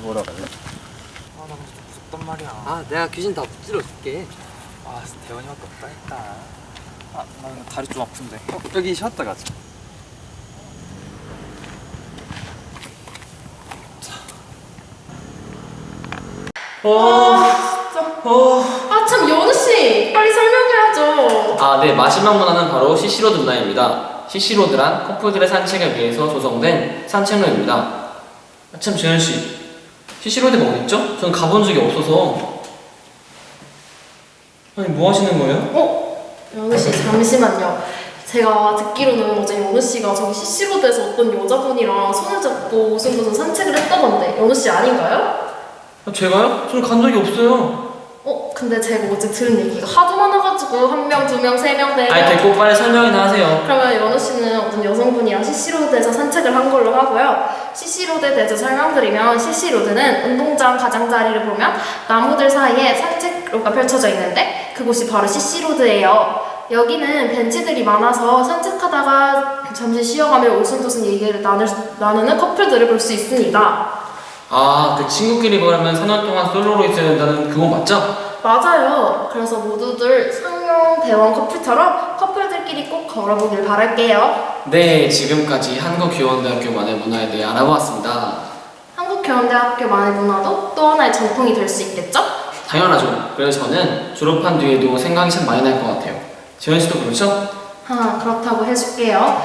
보러 갈래? 아, 나 근데 좀 무섭단 말이야. 아, 내가 귀신 다 붙들어 줄게. 아, 진짜 대원이밖에 없다니까. 아, 나 근데 다리 좀 아픈데. 여기 쉬었다 가자. 아, 참, 연우씨! 빨리 설명해야죠. 아, 네. 마지막 문화는 바로 CC로드 문화입니다. CC로드란 커플들의 산책을 위해서 조성된 산책로입니다. 아, 참, 재현씨. CC로드가 어딨죠? 저는 가본 적이 없어서. 아니, 뭐 하시는 거예요? 연우씨, 잠시만요. 제가 듣기로는 어제 연우씨가 저기 CC로드에서 어떤 여자분이랑 손을 잡고 무슨 산책을 했다던데, 연우씨 아닌가요? 아, 제가요? 저는 간 적이 없어요. 근데 제가 어제 들은 얘기가 하도 많아가지고 한 명, 두 명, 세 명, 네 명. 아니, 됐고 빨리 설명이나 하세요. 그러면 연우 씨는 어떤 여성분이랑 CC로드에서 산책을 한 걸로 하고요. CC로드에 대해서 설명드리면 CC로드는 운동장 가장자리를 보면 나무들 사이에 산책로가 펼쳐져 있는데 그곳이 바로 CC로드예요. 여기는 벤치들이 많아서 산책하다가 잠시 쉬어가며 오순도순 얘기를 나누는 커플들을 볼 수 있습니다. 아, 그 친구끼리 그러면 4년 동안 솔로로 있어야 된다는 그건 맞죠? 맞아요. 그래서 모두들 상용 대원 커플처럼 커플들끼리 꼭 걸어보길 바랄게요. 네, 지금까지 한국교원대학교만의 문화에 대해 알아보았습니다. 한국교원대학교만의 문화도 또 하나의 전통이 될 수 있겠죠? 당연하죠. 그래서 저는 졸업한 뒤에도 생각이 참 많이 날 것 같아요. 재현 씨도 그렇죠? 그렇다고 해줄게요.